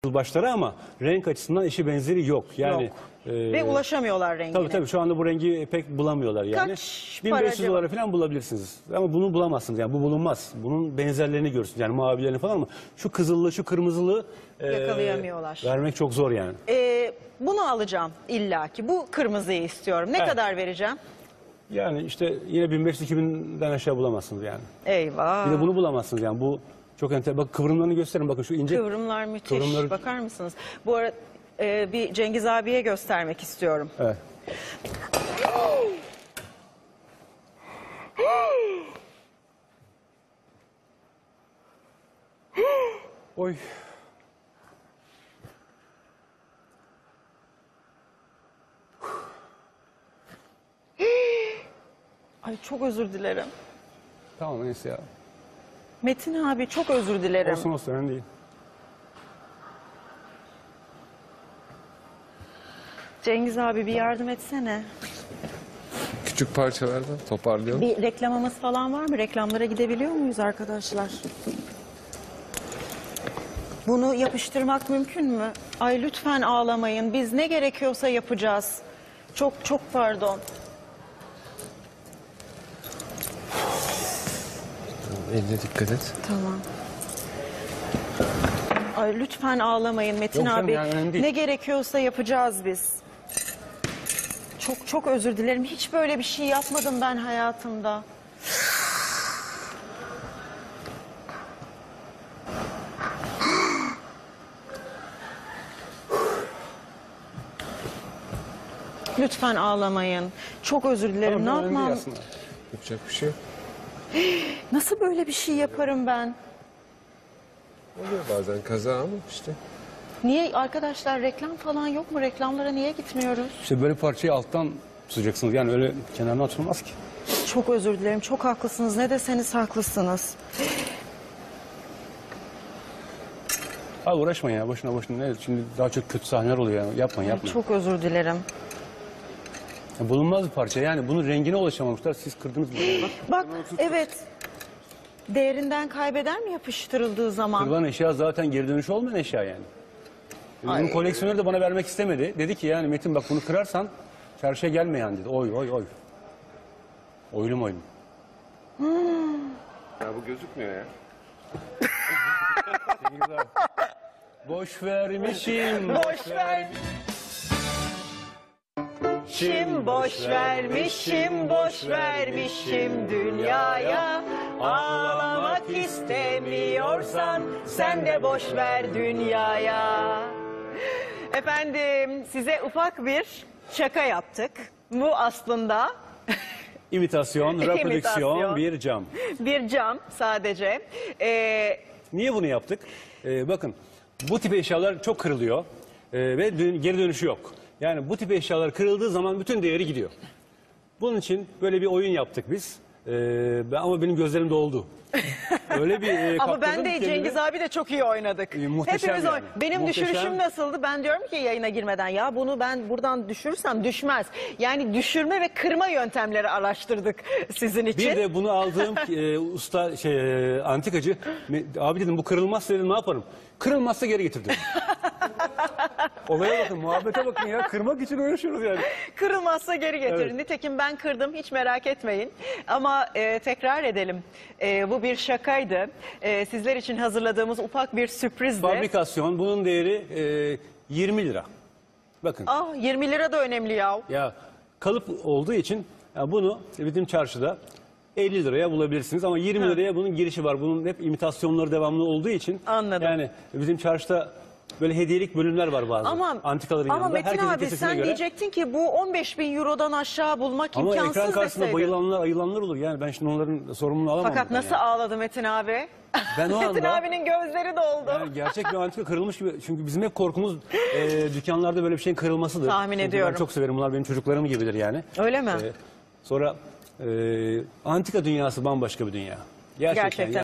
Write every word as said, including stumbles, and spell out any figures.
başları ama renk açısından eşi benzeri yok. Yani Yok. e, Ve ulaşamıyorlar rengine. tabii tabii şu anda bu rengi pek bulamıyorlar yani. Kaç bin para beş yüz acaba? dolara falan bulabilirsiniz. Ama bunu bulamazsınız yani bu bulunmaz. Bunun benzerlerini görürsünüz yani mavilerini falan ama şu kızıllı şu kırmızılı e, Yakalayamıyorlar. vermek çok zor yani. Ee, bunu alacağım illaki. Bu kırmızıyı istiyorum. Ne Evet. kadar vereceğim? Yani işte yine bin beş yüz iki binden aşağı bulamazsınız yani. Eyvah. Bir de bunu bulamazsınız yani bu çok enter. Bak kıvrımlarını gösterin bakın şu ince. Kıvrımlar müthiş. Kıvrımları- Bakar mısınız? Bu arada e, bir Cengiz abiye göstermek istiyorum. Evet. Oy. Ay çok özür dilerim. Tamam neyse ya. Metin abi çok özür dilerim. Olsun olsun önemli değil. Cengiz abi bir yardım etsene. Küçük parçalardan toparlayalım. Bir reklamımız falan var mı? Reklamlara gidebiliyor muyuz arkadaşlar? Bunu yapıştırmak mümkün mü? Ay lütfen ağlamayın. Biz ne gerekiyorsa yapacağız. Çok çok pardon. Eline dikkat et. Tamam. Ay lütfen ağlamayın Metin Yok canım, abi. yani önemli değil. Ne gerekiyorsa yapacağız biz. Çok çok özür dilerim. Hiç böyle bir şey yapmadım ben hayatımda. Lütfen ağlamayın. Çok özür dilerim. Tamam, ne önemli değil yapmam? aslında. Yapacak bir şey yok. Nasıl böyle bir şey yaparım ben? Oluyor bazen kaza ama işte. Niye arkadaşlar reklam falan yok mu? Reklamlara niye gitmiyoruz? İşte böyle parçayı alttan tutacaksınız yani öyle kenarına tutulmaz ki. Çok özür dilerim. Çok haklısınız. Ne deseniz haklısınız. Abi uğraşmayın ya boşuna boşuna. Ne? Şimdi daha çok kötü sahneler oluyor ya. Yapmayın yapmayın. Çok özür dilerim. Ya bulunmaz bir parça yani bunun rengine ulaşamamışlar. Siz kırdınız mı? Yani? Bak evet. Değerinden kaybeder mi yapıştırıldığı zaman? Kırılan eşya zaten geri dönüşü olmayan eşya yani. Bunun Ay. koleksiyoneri de bana vermek istemedi. Dedi ki yani Metin bak bunu kırarsan çarşıya gelme yani dedi. Oy oy oy. Oylum oylum. Ya bu gözükmüyor ya. Boş vermişim. Boş ver. Şim boş vermişim, boş vermişim dünyaya. Ağlamak istemiyorsan sen de boş ver dünyaya. Efendim size ufak bir şaka yaptık. Bu aslında İmitasyon, reprodüksiyon, İmitasyon. bir cam. bir cam sadece. Ee, Niye bunu yaptık? Ee, bakın bu tip eşyalar çok kırılıyor ee, ve dön- geri dönüşü yok. Yani bu tip eşyalar kırıldığı zaman bütün değeri gidiyor. Bunun için böyle bir oyun yaptık biz. Ee, ben, ama benim gözlerim doldu. Öyle bir e, Ama ben kaptırdım de kendimi. Cengiz abi de çok iyi oynadık. E, muhteşem Hepimiz yani. oyn- Benim Muhteşem. düşürüşüm nasıldı? Ben diyorum ki yayına girmeden ya bunu ben buradan düşürürsem düşmez. Yani düşürme ve kırma yöntemleri araştırdık sizin için. Bir de bunu aldığım e, usta şey e, antikacı me- abi dedim bu kırılmazsa dedim ne yaparım? Kırılmazsa geri getir dedim. Olaya bakın, muhabbete bakın ya. Kırmak için uğraşıyoruz yani. Kırılmazsa geri getirin. Evet. Nitekim ben kırdım, hiç merak etmeyin. Ama e, tekrar edelim. E, bu bir şakaydı. E, sizler için hazırladığımız ufak bir sürprizdi. Fabrikasyon bunun değeri e, yirmi lira. Bakın Ah yirmi lira da önemli ya. ya kalıp olduğu için ya bunu bizim çarşıda elli liraya bulabilirsiniz ama yirmi Ha. liraya bunun girişi var. Bunun hep imitasyonları devamlı olduğu için. Anladım. Yani bizim çarşıda böyle hediyelik bölümler var bazen. Ama, Antikaların ama yanında. Metin Herkesin abi kesesine sen göre. diyecektin ki bu on beş bin eurodan aşağı bulmak Ama imkansız ekran karşısında deseydin. bayılanlar, ayılanlar olur. Yani ben şimdi onların sorumluluğunu alamam. Fakat buradan nasıl yani. ağladı Metin abi? Ben o Metin anda- abinin gözleri doldu. Yani gerçek bir antika kırılmış gibi. Çünkü bizim hep korkumuz e, dükkanlarda böyle bir şeyin kırılmasıdır. Tahmin Çünkü ediyorum. Ben çok severim. Bunlar benim çocuklarım gibidir yani. Öyle mi? E, sonra e, antika dünyası bambaşka bir dünya. Gerçekten. Gerçekten